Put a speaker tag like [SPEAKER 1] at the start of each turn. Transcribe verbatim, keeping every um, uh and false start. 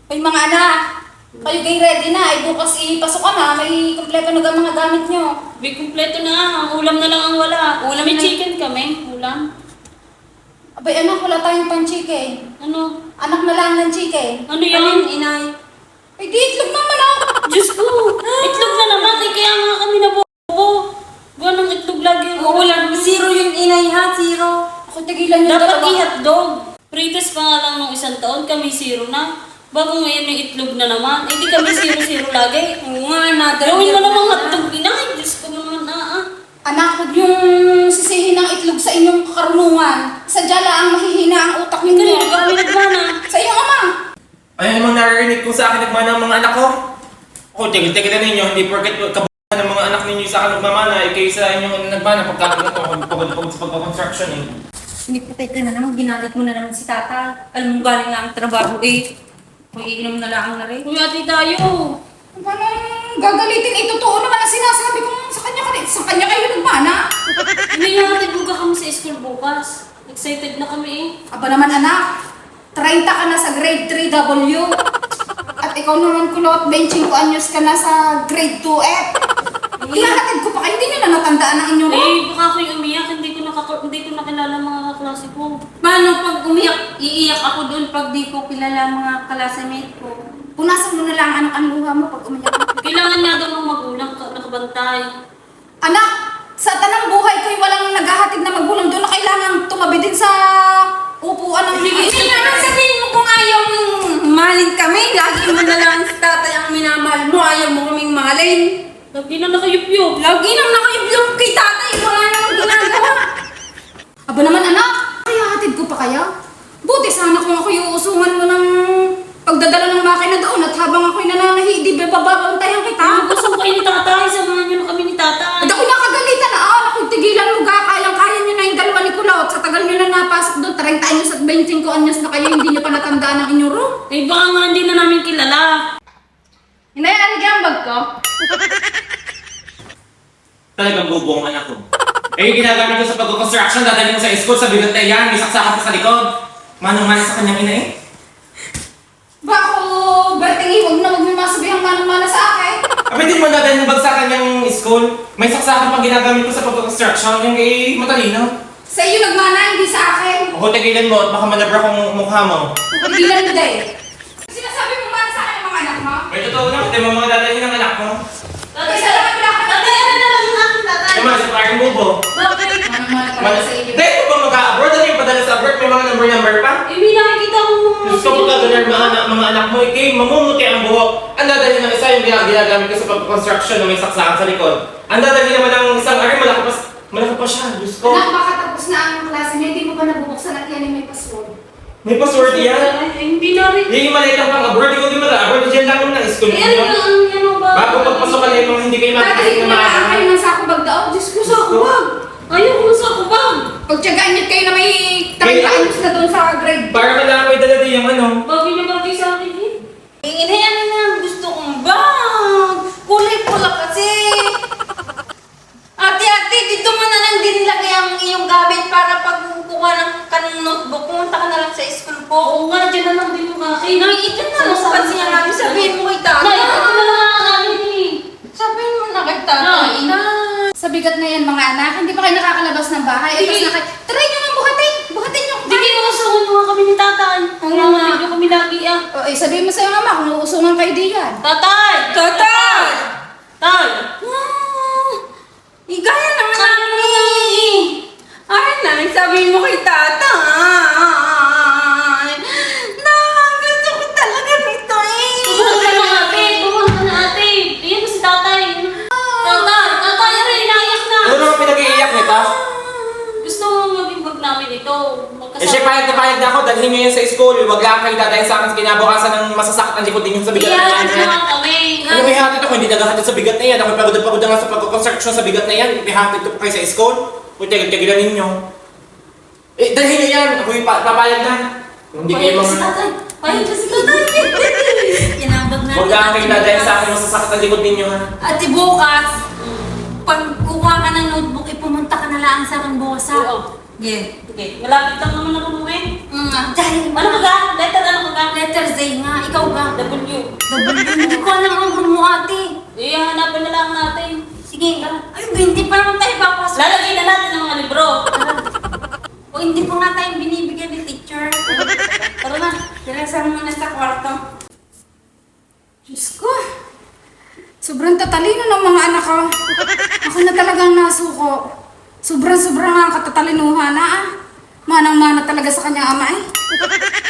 [SPEAKER 1] Ay mga anak, kayo kayo ready na. Ay bukas ipasok ka na. May kumpleto na ang mga gamit nyo.
[SPEAKER 2] May kumpleto na. Ang ulam na lang ang wala.
[SPEAKER 1] Ulam
[SPEAKER 2] May
[SPEAKER 1] na-
[SPEAKER 2] chicken kami. Ulam.
[SPEAKER 1] Abay anak, wala tayong pan-chicken.
[SPEAKER 2] Ano?
[SPEAKER 1] Anak na lang ng chicken.
[SPEAKER 2] Ano yan?
[SPEAKER 1] inay? Ay di, itlog naman ah.
[SPEAKER 2] Diyos ko! Itlog na naman. Eh, kaya nga kami nabobo. Gawa ng itlog lagi.
[SPEAKER 3] Ulan, zero yung inay ha, zero.
[SPEAKER 1] Ako tigilan yung
[SPEAKER 2] Dapat
[SPEAKER 1] dalawa.
[SPEAKER 2] i-hotdog. Pritas pa nga lang nung isang taon, kami zero na. Bago ngayon yung itlog na naman. Eh di kami zero-zero lagi.
[SPEAKER 3] Oo nga, another
[SPEAKER 2] Gawin mo
[SPEAKER 3] year
[SPEAKER 2] namang
[SPEAKER 3] na.
[SPEAKER 2] hotdog. Inay, Diyos ko naman na ah.
[SPEAKER 1] Anak, huwag yung sisihin ng itlog sa inyong karunungan. Sadya lang mahihina ang utak
[SPEAKER 2] Kanino
[SPEAKER 1] ninyo.
[SPEAKER 2] kami nagmana?
[SPEAKER 1] Sa iyong ama.
[SPEAKER 4] Ay, ano mang naririnig ko sa akin nagmana ng mga anak ko? O, tigil-tigil na ninyo, hindi porket kabuhan ng mga anak ninyo sa akin nagmamana, eh, kayo sa inyong nagmana pagkakagod ko, pagod-pagod sa pagkakonstruction eh.
[SPEAKER 3] Hindi po tayo na naman, ginalit mo na naman si tata. Alam mo, galing nga ang trabaho eh. Kung iinom na lang na rin.
[SPEAKER 2] Kuya, ati tayo.
[SPEAKER 1] Paano gagalitin? Itotoo naman ang sinasabi ko sa kanya kanina. Sa kanya kayo nagmana.
[SPEAKER 2] Hindi nga tiguga kami sa school bukas. Excited na kami eh.
[SPEAKER 1] Aba naman anak, thirty ka na sa grade three W. At ikaw naman kulot, twenty-five anyos ka na sa grade two F. Ihahatid ko pa kayo, hindi nyo na natandaan ang inyong
[SPEAKER 2] Eh, baka ako'y umiyak. Hindi ko, nakaka- hindi ko nakilala mga kaklase ko.
[SPEAKER 3] Paano pag umiyak, iiyak ako doon pag di ko kilala ang mga kalasamate ko?
[SPEAKER 1] Punasan mo na lang anak ang luha mo pag umiyak ka.
[SPEAKER 2] Kailangan nga daw ng magulang ka, nakabantay.
[SPEAKER 1] Anak, sa tanang buhay ko'y walang naghahatid na magulang doon na kailangan tumabi din sa upuan ng
[SPEAKER 3] Hindi naman sabihin mo kung ayaw mong mahalin kami. Lagi mo na lang si tatay ang minamahal mo. Ayaw mo kaming mahalin.
[SPEAKER 2] Lagi na nakayup-yup.
[SPEAKER 3] Lagi nang nakayubyok kay tatay. Wala namang ginagawa.
[SPEAKER 1] Aba naman anak, kaya hatid ko pa kaya? Buti sana kung ako'y uusungan mo ng pagdadala ng makina doon at habang ako'y nananahi, di ba bababantayan kita?
[SPEAKER 2] Gusto ko kayo ni tatay. Samahan niyo na kami ni tatay.
[SPEAKER 1] At ako'y nakagalitan na, ah, ako'y tigilan mo ga, kayang-kaya nyo na yung dalawa ni Kulot. Sa tagal nyo na napasok doon, thirty anyos at twenty-five anyos na kayo, hindi nyo pa natandaan ang inyong room.
[SPEAKER 2] Eh, baka nga hindi na namin kilala.
[SPEAKER 1] Inay, ano ang bag ko?
[SPEAKER 4] Talagang bubo ang anak ko. Eh, yung ginagamit ko sa pag-construction, dadalhin mo sa school, sa bigat na yan, may saksakan pa sa likod. Manong-mana sa kanyang ina eh.
[SPEAKER 1] Ba ako, Bertingi, huwag na huwag mo masabihang manang-mana sa akin.
[SPEAKER 4] Abay, din mo dadalhin yung bag sa kanyang school. May saksakan pang ginagamit ko sa pag-construction, yung kay matalino.
[SPEAKER 1] Sa iyo nagmana, hindi sa akin.
[SPEAKER 4] O, tigilan mo at baka manabra kong mukha mo.
[SPEAKER 1] Tigilan mo dahil. Sinasabi mo mana sa akin ang mga anak mo?
[SPEAKER 4] May totoo na, pati mo mga dadalhin ng anak mo.
[SPEAKER 1] Tatay, salamat wala ka
[SPEAKER 2] Tatay, ano na lang yung aking tatay?
[SPEAKER 4] Yung mga sa parang bubo.
[SPEAKER 2] Bakit?
[SPEAKER 1] Manang-mana
[SPEAKER 4] Mal-
[SPEAKER 1] talaga sa iyo.
[SPEAKER 4] Hindi, kung ba mag-abroad, ano yung padala sa abroad, may mga number-number pa.
[SPEAKER 2] Eh, may nakikita ko mga
[SPEAKER 4] Gusto ko ka ganun mga anak, mga anak mo, ikay, mamumuti ang buhok. Ang dadalhin ng isa yung gina- ginagamit ko sa pag-construction na may saksakan sa likod. Ang dadalhin naman ng isang ari, malaki pa, malaki pa siya, Diyos ko.
[SPEAKER 1] Anak, baka tapos na ang klase niya, hindi mo pa nabubuksan at yan ay may password.
[SPEAKER 4] May password yan.
[SPEAKER 2] Ay, hindi na rin.
[SPEAKER 4] Yung maliit ang pang-abroad, ikaw di mag-abroad, dyan lang naman ng school
[SPEAKER 2] Eh, ano
[SPEAKER 4] ninyo.
[SPEAKER 2] yung ang ano ba?
[SPEAKER 4] Bago pagpasok ka na yung mga hindi kayo
[SPEAKER 1] Tatay,
[SPEAKER 4] makikita
[SPEAKER 1] kung
[SPEAKER 4] na
[SPEAKER 1] nakakain
[SPEAKER 4] maaari.
[SPEAKER 1] ng sako bag daw, Diyos ko, sako bag.
[SPEAKER 2] Ayaw ko sa kubang.
[SPEAKER 1] Pagtyagaan niyo kayo na may thirty
[SPEAKER 4] May-
[SPEAKER 1] anyos na doon sa grade.
[SPEAKER 4] Para kailangan ko idala din yung ano.
[SPEAKER 2] Bagay na bagay sa akin eh.
[SPEAKER 3] Inayan na lang, gusto kong bag. Kulay pula kasi. Ate, ate, dito mo na lang din lagay ang iyong gamit para pag kukuha ng kanong notebook, pumunta ka na lang sa school ko.
[SPEAKER 2] Oo nga, dyan na lang din yung akin.
[SPEAKER 3] Nay, ito na lang kasi nga namin sabihin mo kay tatay.
[SPEAKER 2] Nay, ito na lang ang akin eh.
[SPEAKER 3] Sabihin mo na kay tatay.
[SPEAKER 2] Nay.
[SPEAKER 3] Nay.
[SPEAKER 1] Sa bigat na yan mga anak, hindi pa kayo nakakalabas ng bahay. Ay, tapos
[SPEAKER 2] Sige.
[SPEAKER 1] na kayo, try nyo nga buhatin. Buhatin nyo.
[SPEAKER 2] Hindi kinuusungan mo nga kami ni tatay.
[SPEAKER 1] Oo
[SPEAKER 2] Kaya
[SPEAKER 1] nga.
[SPEAKER 2] nga kami lagi ah.
[SPEAKER 1] O, eh, sabihin mo sa'yo mama kung uusungan kayo di yan.
[SPEAKER 2] Tatay!
[SPEAKER 3] Tatay!
[SPEAKER 2] Tay!
[SPEAKER 3] Ah, igaya naman
[SPEAKER 2] Kaya
[SPEAKER 3] namin
[SPEAKER 2] naman namin
[SPEAKER 3] eh. Ay, nay, sabihin mo kay tatay. Nay, gusto ko talaga nito eh.
[SPEAKER 2] Tumuhan ka na ate! Tumuhan ka na ate! Iyan mo si tatay! Tatay! Tatay! Aray! Naiyak na!
[SPEAKER 4] Ano naman pinag-iiyak nito?
[SPEAKER 2] Gusto mo maging bag namin ito.
[SPEAKER 4] Eh, siya payag na payag na ako, dalhin niyo yan sa school. Huwag lang kayo dadahin sa akin sa kinabukasan ng masasakit ang likod ninyo sa bigat na
[SPEAKER 2] Iyan
[SPEAKER 4] yan.
[SPEAKER 2] na nga kami.
[SPEAKER 4] Ano may hatid ako? Hindi naghahatid sa bigat na yan. Ako pagod na pagod na nga sa pag-construction sa bigat na yan. May hatid ko pa kayo sa school. Kung tigil-tigilan ninyo. Eh, dalhin niyo yan. Ako yung pa- papayag na. Hindi kayo
[SPEAKER 2] Payag ka si
[SPEAKER 4] mga...
[SPEAKER 2] tatay! Payag ka si tatay!
[SPEAKER 3] Yan ang bag natin.
[SPEAKER 4] Huwag lang kayo dadahin sa akin masasakit ang likod ninyo ha.
[SPEAKER 3] Ate, bukas, pag kuha ka ng notebook, ipumunta ka na lang sa Rambosa.
[SPEAKER 2] Oo.
[SPEAKER 3] Yeah.
[SPEAKER 2] Okay, malapit lang naman ako umuwi.
[SPEAKER 3] Mm, dahil
[SPEAKER 2] Ano ka ga? Letter ano ka ga?
[SPEAKER 3] letter Z nga, ikaw ga. Hindi ko alam ang room mo, ate.
[SPEAKER 2] Eh, hanapan na lang natin.
[SPEAKER 3] Sige, ay, hindi pa naman tayo papasok.
[SPEAKER 2] Lalagay na natin ang mga libro.
[SPEAKER 3] O hindi pa nga tayo binibigyan ni teacher.
[SPEAKER 2] Tara na.
[SPEAKER 3] Kailangan muna sa kwarto.
[SPEAKER 1] Diyos ko. Sobrang tatalino ng mga anak ko. Ako na talagang nasuko. Sobrang-sobrang nga katatalinuhan na ah. Manang-mana talaga sa kanyang ama eh.